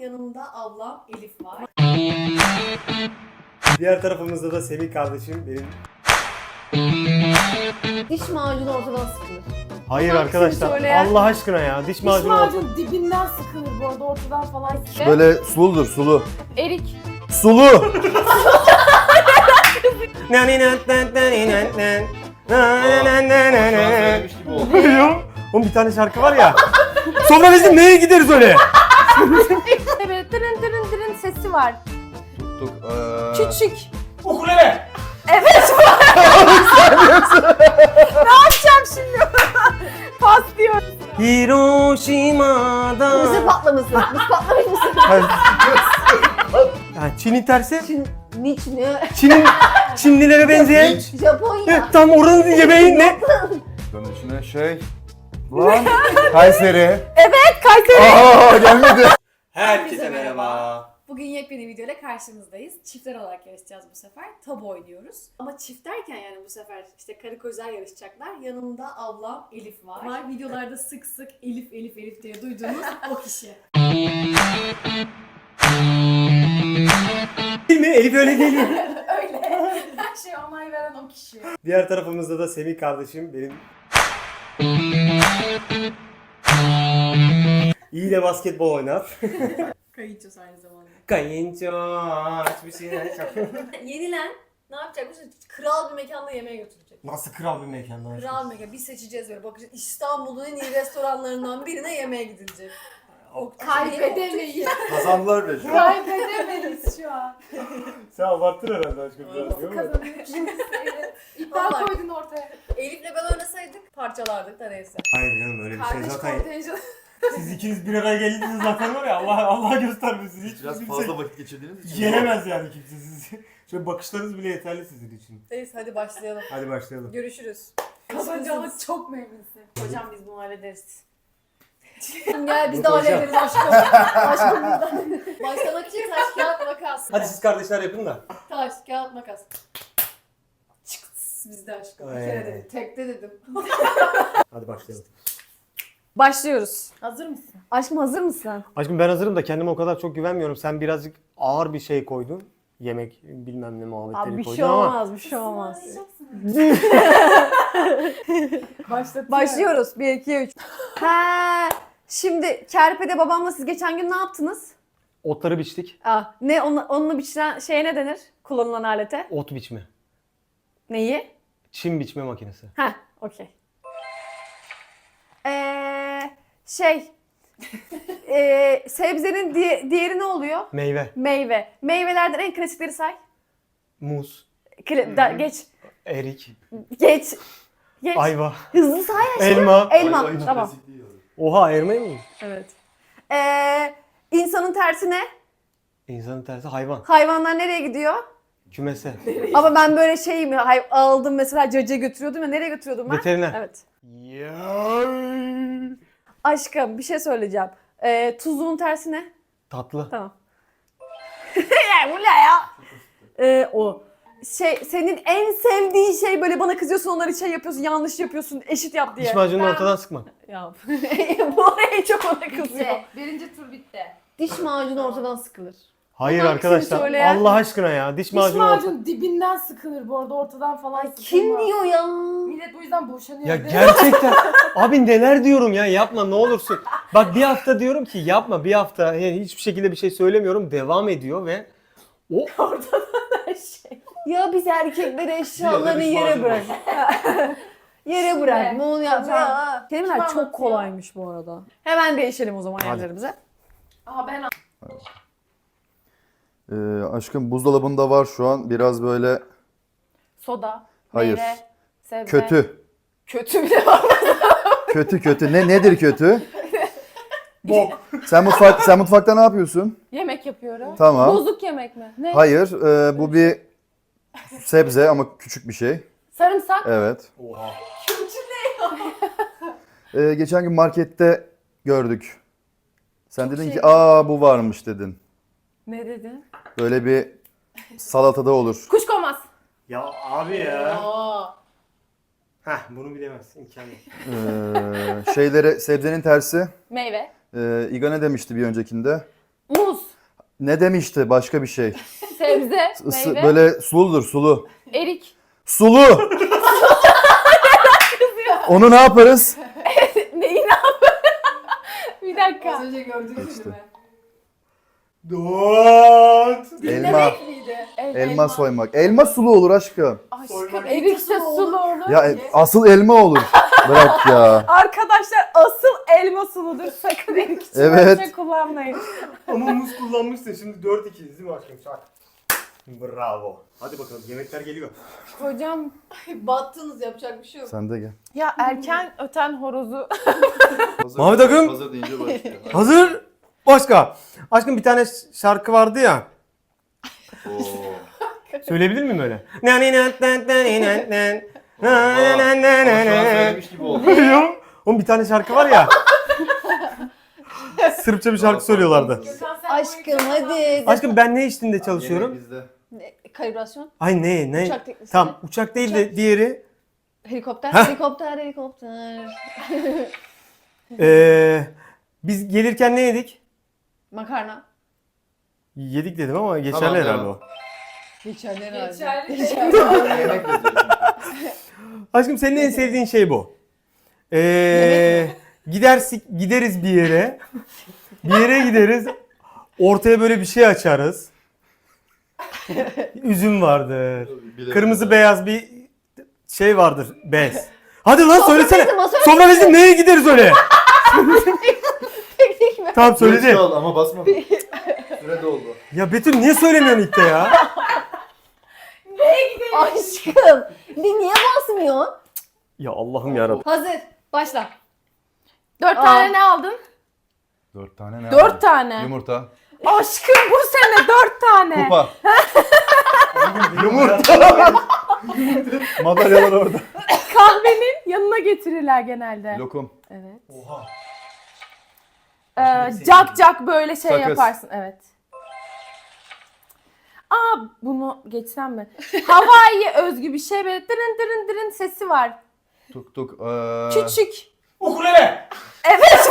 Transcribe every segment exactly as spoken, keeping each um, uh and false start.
Yanımda ablam Elif var. Diğer tarafımızda da Semih kardeşim benim. Diş macunu ortadan sıkılır. Hayır Hangisini arkadaşlar söyleyen? Allah aşkına ya diş Diş macunu. macunu dibinden sıkılır bu arada, ortadan falan sıkılır. Böyle suludur, sulu. Erik. Sulu! Biliyorum. Oğlum bir tane şarkı var ya. Sonra bizim neye gideriz öyle? Evet, dırın dırın dırın sesi var. Tuttuk. Ee... Küçük. Ukulele. Evet. Ne yapacağım şimdi? Pas diyor. Hiroşima'da. Mısır patlaması. Mısır patlamış mısın? Yani Çin'in tersi. Çin, niç ne? Çin'in Çinlilere benzeyen. Japonya. Tam oranın yemeği ne? Bunun içine şey... Lan! Kayseri. Evet, Kayseri. Aa gelmedi. Herkese merhaba. Bugün yepyeni videoyla karşınızdayız. Çiftler olarak yarışacağız bu sefer. Tabu oynuyoruz. Ama çift derken yani bu sefer işte karı kocalar yarışacaklar. Yanımda ablam Elif var. var. Videolarda sık sık Elif Elif Elif diye duyduğunuz o kişi. Değil mi? Elif öyle değil mi? Öyle. Her şeye onay veren o kişi. Diğer tarafımızda da Semih kardeşim benim. İyi de basketbol oynar. Kayınçosu aynı zamanda. Kayınço aç bir şeyler yap. Yenilen ne yapacakmış? Kral bir mekanda yemeğe götürecek. Nasıl kral bir mekanda? Kral bir mekan. Biz seçeceğiz böyle. Bakacağız İstanbul'un en iyi restoranlarından birine yemeğe gidilecek. O Kaybedemeyiz. Kazandılar be şu an. Kaybedemeyiz şu an. Sen abarttın herhalde aşkım biraz. Nasıl kazanıyoruz? Evet. İddia Vallahi. koydun ortaya. Elif'le ben oynasaydık parçalardık da neyse. Hayır canım öyle bir şey Kardeş zaten. kontenjanı. Siz ikiniz bir araya geldiniz zaten var ya Allah Allah göstermesin. Hiç Biraz kimse fazla vakit geçirdiğiniz için. yenemez yani kimse sizi. Şöyle bakışlarınız bile yeterli sizin için. Neyse hadi başlayalım. Hadi başlayalım. Görüşürüz. Kazanacağımız çok memnunsun. Hocam biz bunu hallederiz. Gel biz de Yok hocam. hallederiz aşkım. Aşkım biz de. Başlamak için taş kağıt makas. Hadi siz kardeşler yapın da. Taş kağıt makas. Çıkıs biz de aşkım. Bir kere Evet. dedim. Tekte dedim. Hadi başlayalım. Başlıyoruz. Hazır mısın? Aşkım hazır mısın? Aşkım ben hazırım da kendime o kadar çok güvenmiyorum. Sen birazcık ağır bir şey koydun. Yemek bilmem ne muhabbetleri Abi bir koydun şey ama. olmaz, bir şey olmaz. Başlatıyorum. Başlıyoruz. bir, iki, üç. Ha, şimdi Kerpe'de babamla siz geçen gün ne yaptınız? Otları biçtik. Ah, ne onunla, onunla biçilen şeye ne denir? Kullanılan alete. Ot biçme. Neyi? Çim biçme makinesi. Ha, okey. Ee, şey, ee, sebzenin di- diğeri ne oluyor? Meyve. Meyve. Meyvelerden en klasikleri say. Muz. Kla- da- geç, Erik. geç, geç. Ayva. Hızlı say aşkım. Elma. Elma, Ayva hiç tamam. klasik değil yani. Oha elma mı? Evet. Ee, insanın tersi ne? İnsanın tersi hayvan. Hayvanlar nereye gidiyor? Kümese. Ama ben böyle şey mi hay- aldım mesela cacıya götürüyordum ya, nereye götürüyordum ben? Veteriner. Evet. Ya. Aşkım bir şey söyleyeceğim. Ee, tuzluğun tersi ne? Tatlı. Tamam. Ya bu ne ya? Ee, o. Şey, senin en sevdiğin şey böyle bana kızıyorsun, onları şey yapıyorsun, yanlış yapıyorsun, eşit yap diye. Diş macununu Ben- ortadan sıkmak. Ya bu oraya çok ona kızıyor. Bitti. Birinci tur bitti. Diş macunu ortadan sıkılır. Hayır Hangisini arkadaşlar. söyleyen? Allah aşkına ya. Diş Diş macunu ortadan. macunu dibinden sıkılır bu arada, ortadan falan sıkılmaz. Kim diyor ya? Millet bu yüzden boşanıyor. Ya değil mi? gerçekten. Abi neler diyorum ya, yapma ne olursun. Bak bir hafta diyorum ki yapma, bir hafta yani hiçbir şekilde bir şey söylemiyorum, devam ediyor ve o şey. Ya biz erkekleri eşyalarını diş yere macunu bırak. Yere bırak. Bunu yap. hocam, Ya. Kelimeler kim çok anlatıyor? kolaymış bu arada. Hemen değişelim o zaman Hadi. yerlerimize. Aha ben Ee, aşkım buzdolabında var şu an biraz böyle Soda, Hayır. meyve, sebze. kötü. Kötü bile var. Kötü kötü. Ne nedir kötü? bok. Sen mutfak sen mutfakta ne yapıyorsun? yemek yapıyorum. Tamam. Bozuk yemek mi? Ne? Hayır, e, bu bir sebze ama küçük bir şey. Sarımsak. Evet. Oha. Ee, geçen gün markette gördük. Sen Çok dedin şey- ki, "Aa bu varmış." dedin. Ne dedin? Böyle bir salatada olur. Kuşkonmaz. Ya abi ya. Aa. Heh bunu bilemezsin. İmkanı yok. Ee, şeylere sebzenin tersi. Meyve. Ee, İga ne demişti bir öncekinde? Muz. Ne demişti? Başka bir şey. Sebze, Isı- meyve, böyle suludur, sulu. erik. Sulu! Onu ne yaparız? Neyi ne yapayım? Bir dakika. Az önce gördüğünüz İşte. gibi. Dört. Elma. Demek miydi? El- Elma soymak. Elma sulu olur aşkım. Aşkım erik de sulu olur. Ya e, asıl elma olur. Bırak ya. Arkadaşlar asıl elma suludur. Sakın erik için Evet. şey kullanmayın. Ama muz kullanmışsın. Şimdi dört iki değil mi aşkım? Şak. Bravo. Hadi bakalım yemekler geliyor. Hocam Battınız, yapacak bir şey yok. Sen de gel. ya erken öten horozu. Hazır, Mahmut Akın. Hazır deyince başlıyor. Hazır. Başka. Aşkım bir tane şarkı vardı ya. Oo. Söyleyebilir miyim öyle? söylemiş gibi oldu. Biliyorum. Oğlum bir tane şarkı var ya. Sırpça bir şarkı söylüyorlardı. Aşkım hadi. Aşkım ben ne işinde çalışıyorum? Yemek bizde. Kalibrasyon. Ay ne ne? Uçak teknisi. Tamam uçak değil de diğeri. Helikopter. Heh. Helikopter, helikopter. Ee, biz gelirken ne yedik? Makarna. Yedik dedim ama geçerli Tamam, herhalde devam. o. Geçerli herhalde. Yemek bizde. Aşkım senin en sevdiğin şey bu. Ee, gidersik gideriz bir yere. Bir yere gideriz. Ortaya böyle bir şey açarız. Üzüm vardır. Bilemedim. Kırmızı beyaz bir şey vardır. Bez. Hadi lan söylesene. bizim, o söyle- Sofra bizim neye gideriz öyle? Teknik mi? Tamam Geç söyledi. kal ama basma. Süre doldu. Ya Betül niye söylemiyorsun ilk de ya? Aşkım. Bir niye basmıyorsun? Ya Allah'ım yarabbim. Hazır. Başla. Dört Aa. tane ne aldın? Dört tane ne Dört aldın? tane. Yumurta. Aşkım bu sene dört tane. Kupa. Yumurta. Madalyalar orada. Kahvenin yanına getirirler genelde. Lokum. Evet. Oha. Ee, cak cak böyle şey Sakız. yaparsın. Evet. Aa bunu geçsem mi? Hawaii'ye özgü bir şey böyle dırın dırın dırın sesi var. Tuk tuk. Ee... Küçük. Ukulele. Evet.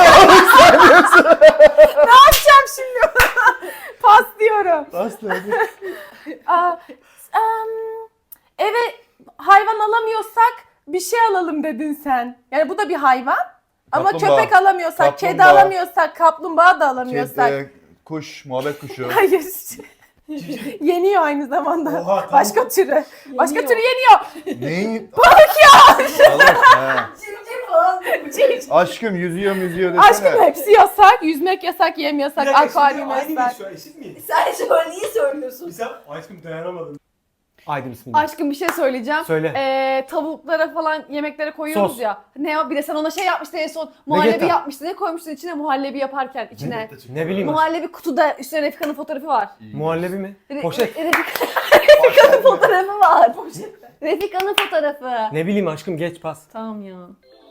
Ne yapacağım şimdi? Pas diyorum. Aslı. Aa, em, eve hayvan alamıyorsak bir şey alalım dedin sen. Yani bu da bir hayvan. Ama Kaplumbağa. köpek alamıyorsak, kedi Kaplumbağa. alamıyorsak, kaplumbağa da alamıyorsak. Kedi, kuş, muhabbet kuşu. Hayır. Yeniyor aynı zamanda. Oha, tamam. Başka türü. Başka Yeniyor. türü yeniyor. Neyi? Balık ya! Balık, he. Cimcim falan. Aşkım yüzüyor yüzüyor desene. Aşkım hepsi yasak. Yüzmek yasak, yem yasak, akvaryum yasak. şu an eşit miyiz? Sen şöyle niye söylüyorsun? Sen aşkım dayanamadım. Haydi bismillah. Aşkım bir şey söyleyeceğim. Söyle. Ee, tavuklara falan yemeklere koyuyoruz Sos. ya. Ne o? Bir de sen ona şey yapmıştın en son. Muhallebi Vegeta. yapmıştın. Ne koymuştun içine muhallebi yaparken içine? Ne bileyim aşkım. Muhallebi kutuda üstüne Refika'nın fotoğrafı var. Muhallebi mi? Re- Poşet. Re- Refika'nın fotoğrafı var. Refika'nın fotoğrafı. Ne bileyim aşkım geç pas. Tamam ya.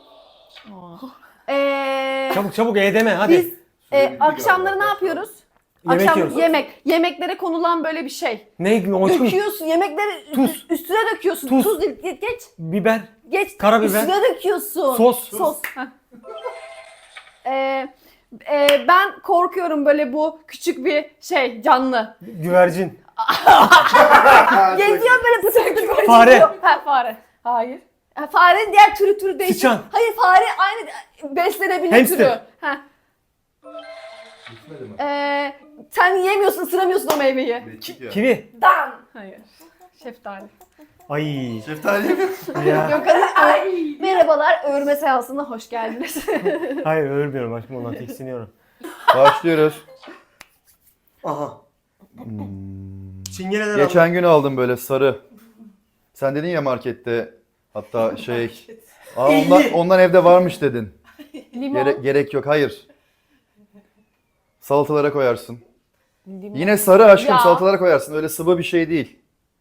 Eee Çabuk çabuk e deme hadi. biz e, akşamları ne yapıyoruz? Yemek Akşam yiyoruz. yemek. Yemeklere konulan böyle bir şey. Ne aşkım? Döküyorsun yemekleri Tuz. üstüne döküyorsun. Tuz. Tuz değil. Geç geç. Biber. Geç. Karabiber. Üstüne döküyorsun. Sos. Sos. Heh. Ee, e, ben korkuyorum böyle bu küçük bir şey canlı. Güvercin. Geziyor böyle pıtır pıtır böyle Fare. geziyor. Ha fare. Hayır. Ha, farenin diğer türü türü değişik. Sıçan. Hayır fare aynı beslenebilir Hamster. türü. Ha. Bitmedi mi? Ee, sen yiyemiyorsun, ısıramıyorsun o meyveyi. Bittik ya. Kivi. Dan. Hayır. Şeftali. Ay. Şeftali mi? Ya. Gökhan'ın Ay. Merhabalar, örme seansına hoş geldiniz. Hayır ölmüyorum aşkım ondan tiksiniyorum. Başlıyoruz. Aha. Hmm. Çingeneler aldım. Geçen gün aldım böyle sarı. Sen dedin ya markette hatta şey. Aa, ondan, ondan evde varmış dedin. Limon. Gere- gerek yok hayır. Salatalara koyarsın. Limon. Yine sarı aşkım Ya. salatalara koyarsın. Öyle sıvı bir şey değil.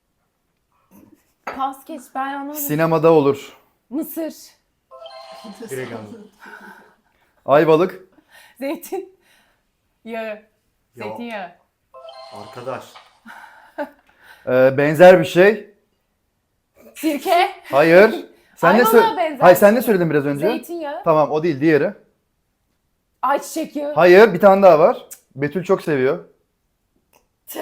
Pas geç, ben anlamadım. Sinemada olur. Mısır. Direkt aldım. Ayvalık. Zeytin. Yağı. Ya. Zeytinyağı. Arkadaş. Ee, benzer bir şey. Sirke. Hayır. Sen ne Ayvalığa sö- benzer Hayır bir sen ne şey. söyledin biraz önce? Zeytinyağı. Tamam o değil diğeri. Ayçiçek yağı. Hayır bir tane daha var. Betül çok seviyor.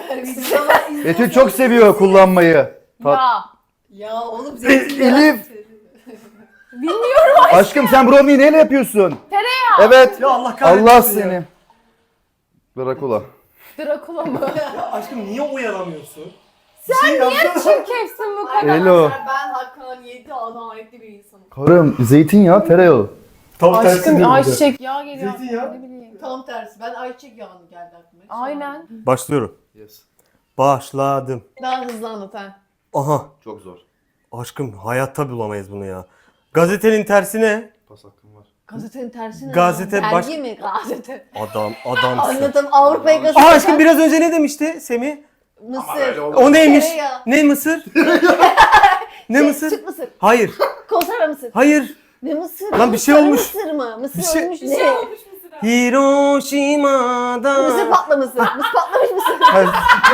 Betül çok seviyor kullanmayı. Tat- Ya. Ya oğlum zeytinyağı. Elif. Bilmiyorum. Aşkım sen brownie'yi neyle yapıyorsun? Tereyağı. Evet. Ya Allah kahretsin Allah ya. seni. Drakula. Drakula mı? Aşkım niye uyaramıyorsun? Sen niye çirkefsin bu kadar? Hello. Ben Hakan yedi adaletli bir insanım. Karım zeytinyağı tereyağı. Tam tersi değil Aşkım mi? ayçiçek yağı geliyor. Zeytinyağı. Ne bileyim. Tam tersi. Ben ayçiçek yağını geldi aklıma. Aynen. Başlıyorum. Yes. Başladım. Daha hızlı anlat ha. Aha. Çok zor. Aşkım hayatta bulamayız bunu ya. Gazetenin tersi ne? Pas hakkım var. Gazetenin tersi ne? Gazete ya? baş- Dergi mi? Gazete. Adam, adamsın. Anladım. Avrupa yakası. Aa aşkım biraz önce ne demişti Semih? Mısır. O neymiş? Tereyağı. Ne mısır? ne Şey, mısır? Süt mısır. Hayır. Konserve mısır. Hayır. Ne mısır? Lan bir şey Sarı olmuş. Mısır mı? Mısır Bir şey- ölmüş. Bir ne? şey olmuş mesela. Hiroşima'da. Mısır patlaması. Mısır patlamış mısır. Hayır.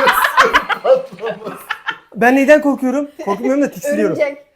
Ben neyden korkuyorum? Korkmuyorum da tiksiniyorum. Örümcek.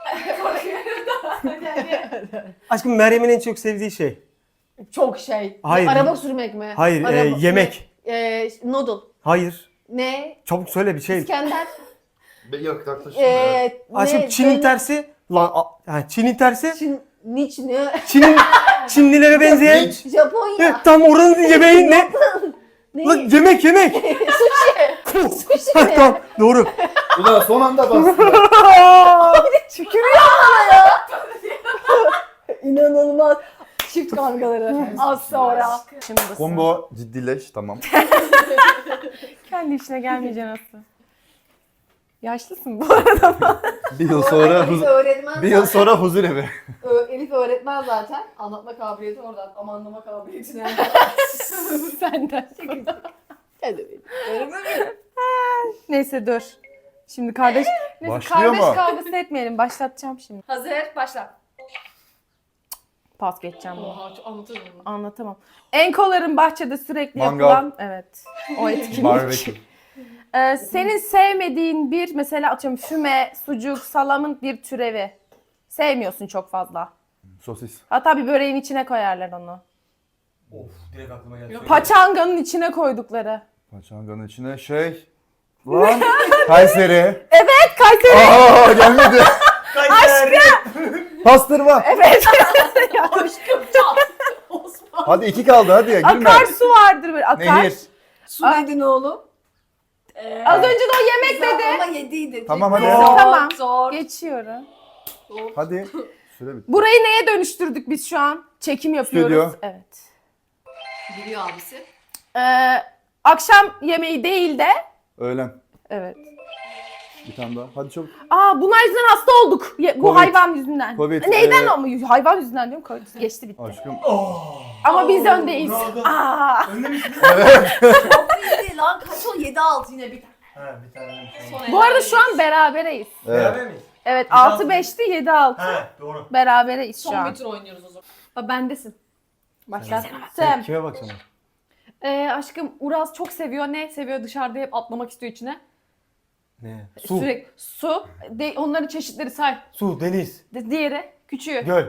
Aşkım Meryem'in en çok sevdiği şey. Çok şey. Hayır. Araba sürmek mi? Hayır, e, Araba- yemek. Ne? E, noodle. Hayır. Ne? Çabuk söyle bir şey. İskender. Yok yaklaşık. E, Aşkım ne? Çin'in Dön- tersi. Lan a- ha, Çin'in tersi. Çin. Niç ne? Çin'in Çinlilere benzeyen. Niç. Japonya. Evet, tam oranın yemeği ne? Ne? Lan yemek yemek. Sushi. Sushi Ha, mi? tamam doğru. Ulan son anda bastı. Tükürüyor bana ya. İnanılmaz. Çift kavgaları. Az sonra. Şimdi Combo ciddileş tamam. kendi işine gelmeyeceksin nasıl? Yaşlısın bu arada. Bir yıl sonra Elif huzur, öğretmen bir yıl zaten. sonra huzur evi. Ö- Elif öğretmen zaten. Anlatma kabiliyeti oradan. Ama anlama kabiliyeti nereden? Senden. Hadi öğretmen mi? Neyse dur. Şimdi kardeş, neyse Başlıyor kardeş mu? kavgası etmeyelim. Başlatacağım şimdi. Hazır. Başla. Pas geçeceğim bunu. Oha çok anlatırım bunu. Anlatamam. Enkoların bahçede sürekli Mangal. yapılan, evet, o etkinlik. Barbekü. Ee, senin sevmediğin bir, mesela atıyorum füme, sucuk, salamın bir türevi. Sevmiyorsun çok fazla. Sosis. Hatta bir böreğin içine koyarlar onu. Of direkt aklıma geldi. Paçanganın içine koydukları. Paçanganın içine şey. Lan. Kayseri. Evet, Kayseri. Aa gelmedi. Kayseri. Pastırma. Evet. Aşkım çat. Osman. Hadi iki kaldı hadi ya gülme. Akarsu vardır böyle, akar. Nehir. Su Aa. dedin oğlum. Ee, Az önce de o yemek dedi. Ama yediydi. Tamam, hadi. Zor, Tamam. Zor. Geçiyorum. Zor. Hadi. Süre bitti. Burayı neye dönüştürdük biz şu an? Çekim yapıyoruz. Stüdyo. Evet. Biliyor abisi. Ee, akşam yemeği değil de, Öğlen. evet. Bir tane daha. Hadi çabuk. Aa, bunlar yüzünden hasta olduk. Ye- Bu Covid. hayvan yüzünden. Covid, Neyden ee, ama? Hayvan yüzünden diyorum. Covid geçti bitti. Aşkım. Ama biz Oo, öndeyiz. bravo. Aa. Önde misin? Çok iyiydi lan. Kaç o? yedi altı yine bir tane. Ha bir tane. Son Bu arada şu an berabereyiz. Evet. Beraber miyiz? Evet, Yedi altı altı beşti, yedi altı. Ha doğru. Berabereyiz şu Son an. bir tur oynuyoruz o zaman. Aa, bendesin. Başlattım. Sen kime bakacaksın? Ee, aşkım Uraz çok seviyor. Ne seviyor? Dışarıda hep atlamak istiyor içine. Ne? Su. Sürekli su. De, onların çeşitleri say. Su, deniz, De, diğeri küçüğü. göl.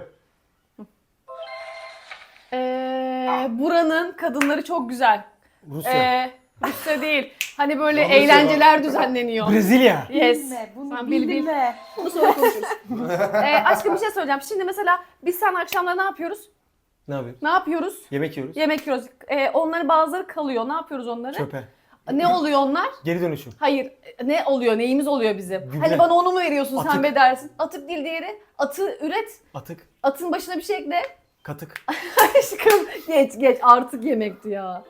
Ee, buranın kadınları çok güzel. Rusya. Ee, Rusya değil. Hani böyle Rusya eğlenceler düzenleniyor. Brezilya. Yes. Bilme, bunu Sen bil, bil. bilme. Bunu sonra konuşuruz. ee, aşkım bir şey söyleyeceğim. Şimdi mesela biz sen akşamları ne yapıyoruz? Ne yapıyoruz? Ne yapıyoruz? Yemek yiyoruz. Yemek yiyoruz. Ee, onları bazıları kalıyor. Ne yapıyoruz onları? Çöpe. Ne oluyor onlar? Geri dönüşüm. Hayır. Ne oluyor? Neyimiz oluyor bizim? Gübre. Hani bana onu mu veriyorsun sen Atık. be dersin? Atık değil diğeri. Atı üret. Atık. Atın başına bir şey ekle. Katık. Aşkım geç geç artık yemekti ya.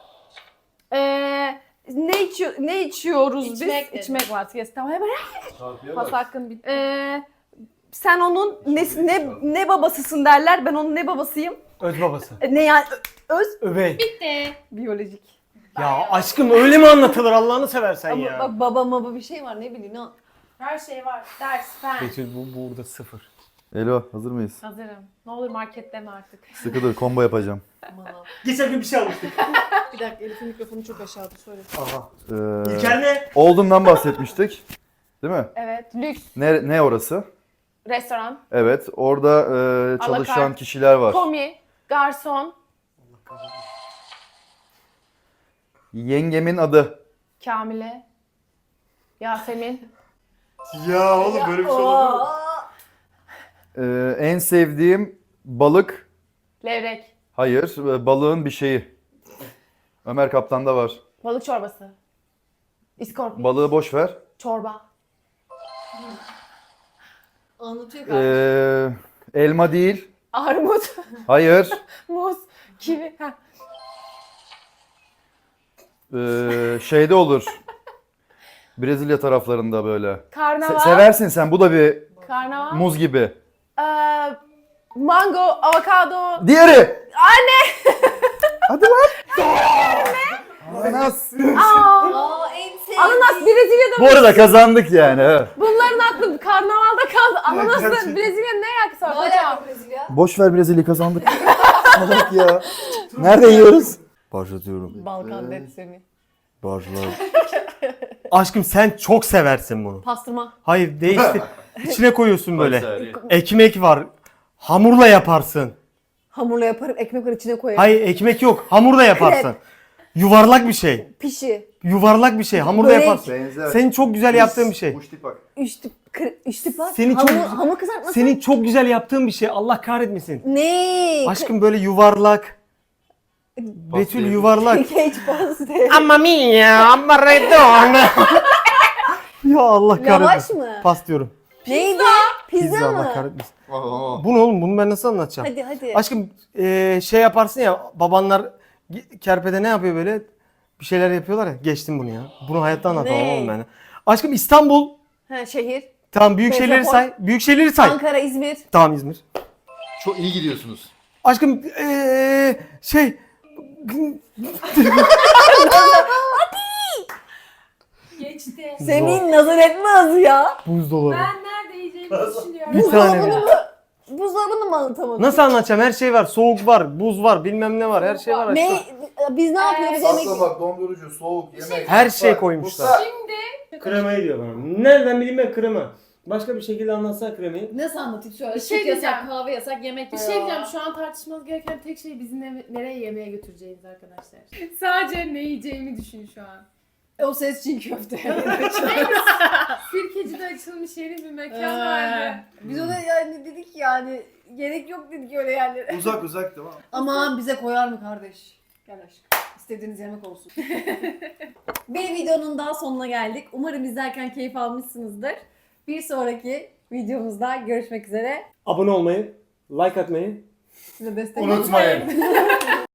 Ee, ne içiyor ne içiyoruz İçmek biz? dedim. İçmek var. Yes, tamam hemen. Çarpıya Pas bak. hakkın bitti. Ee, sen onun ne, ne ne babasısın derler. Ben onun ne babasıyım? Öz babası. E, Ne yani Ö- öz Öbey. Bitti. biyolojik. Ya aşkım öyle mi anlatılır Allah'ını seversen Ama ya. bak baba baba bir şey var ne bileyim ne. Her şey var. Ders, fen. Betül bu burada sıfır. Elo hazır mıyız? Hazırım. Ne olur marketleme artık. Sıkı dur combo yapacağım. Aman Allah'ım. Geçen gün bir şey almıştık. Bir dakika Elif'in mikrofonu çok aşağıda söyle. Aha. Ee, İlker ne? Oldum'dan bahsetmiştik. Değil mi? Evet. Lüks. Ne, ne orası? Restoran. Evet orada e, çalışan carte. kişiler var. Komi. Garson. Yengemin adı. Kamile. Yasemin. Ya oğlum böyle bir şey olabilir mi? Ee, en sevdiğim balık. Levrek. Hayır, e, balığın bir şeyi. Ömer Kaptan'da var. Balık çorbası. İskorpit. Balığı boş ver. Çorba. Anlatıyor kardeşim. Ee, elma değil. Armut. Hayır. Muz. Kivi. Heh. Ee, şeyde olur. Brezilya taraflarında böyle. Se- Karnaval. seversin sen. Bu da bir Karnaval. muz gibi. Ee, mango, avokado. Diğeri. Anne. Hadi lan. Ananas. Aa, Aa en sevdiğim. ananas Brezilya'da Bu mı? arada kazandık yani. evet. Bunların aklı karnavalda kaldı. Ananasla gerçekten. Brezilya'nın ne alakası var Ne hocam? alaka Brezilya? Boş ver Brezilya kazandık. Salak ya. Nerede yiyoruz? Başlatıyorum. Balkan detsemi. Başla. Aşkım sen çok seversin bunu. Pastırma. Hayır değiştir. İçine koyuyorsun böyle. Ekmek var. Hamurla yaparsın. Hamurla yaparım, ekmek var içine koyarım. Hayır ekmek yok. Hamurla yaparsın. Yuvarlak bir şey. Pişi. Yuvarlak bir şey. Hamurla Börek. yaparsın. Benzer. Senin çok güzel yaptığın bir şey. Üç tip, kır, üç tip var. Seni hamur, çok- hamur kızartması. Senin çok güzel yaptığın bir şey. Allah kahretmesin. Ne? Aşkım böyle yuvarlak. Betül yuvarlak. Cage paste. Mamma mia, Maradona. Ya Allah Lavaş kahretmesin. mı? Pas diyorum. Neydi? Pizza, Pizza Allah mı? kahretmesin. Bu ne oğlum? Bunu ben nasıl anlatacağım? Hadi hadi. Aşkım eee, şey yaparsın ya babanlar ge- kerpede ne yapıyor böyle? Bir şeyler yapıyorlar ya. Geçtim bunu ya. Bunu hayatta anlatamam Ne? oğlum ben. Aşkım İstanbul. Ha, şehir. Tamam büyük şehirleri Metropol. say. Büyük şehirleri say. Ankara, İzmir. Tamam İzmir. Çok iyi gidiyorsunuz. Aşkım eee, şey Geçti. Semih'in nazar etmez ya. buzdolabı. Ben nerede yiyeceğimi düşünüyorum. Bir tane. Buzdolabını mı? Buzdolabını mı anlatamadın? Nasıl anlatacağım? Her şey var. Soğuk var, buz var, bilmem ne var. Her şey var. Ne? aşkım. Biz ne yapıyoruz? Ee, Yemek. bak dondurucu, soğuk, yemek. Her şey koymuşlar. Şimdi Kremayı diyor bana. Nereden bileyim ben krema? Başka bir şekilde anlatsana kremayı. nasıl anlatayım şöyle? Bir şey Süt yasak, diyeceğim. kahve yasak, yemek Bir yasak. şey diyeceğim, şu an tartışmamız gereken tek şey bizi ne- nereye yemeğe götüreceğiz arkadaşlar. Sadece ne yiyeceğimi düşün şu an. O ses çiğ köfte. Sirkeci'de açılmış yeni bir mekan Ee, vardı. Biz ona yani dedik yani gerek yok dedik öyle yerlere. Uzak uzak tamam. Aman bize koyar mı kardeş? Gel aşkım. İstediğiniz yemek olsun. Bir videonun daha sonuna geldik. Umarım izlerken keyif almışsınızdır. Bir sonraki videomuzda görüşmek üzere. Abone olmayı, like atmayı Size destek Unutmayın.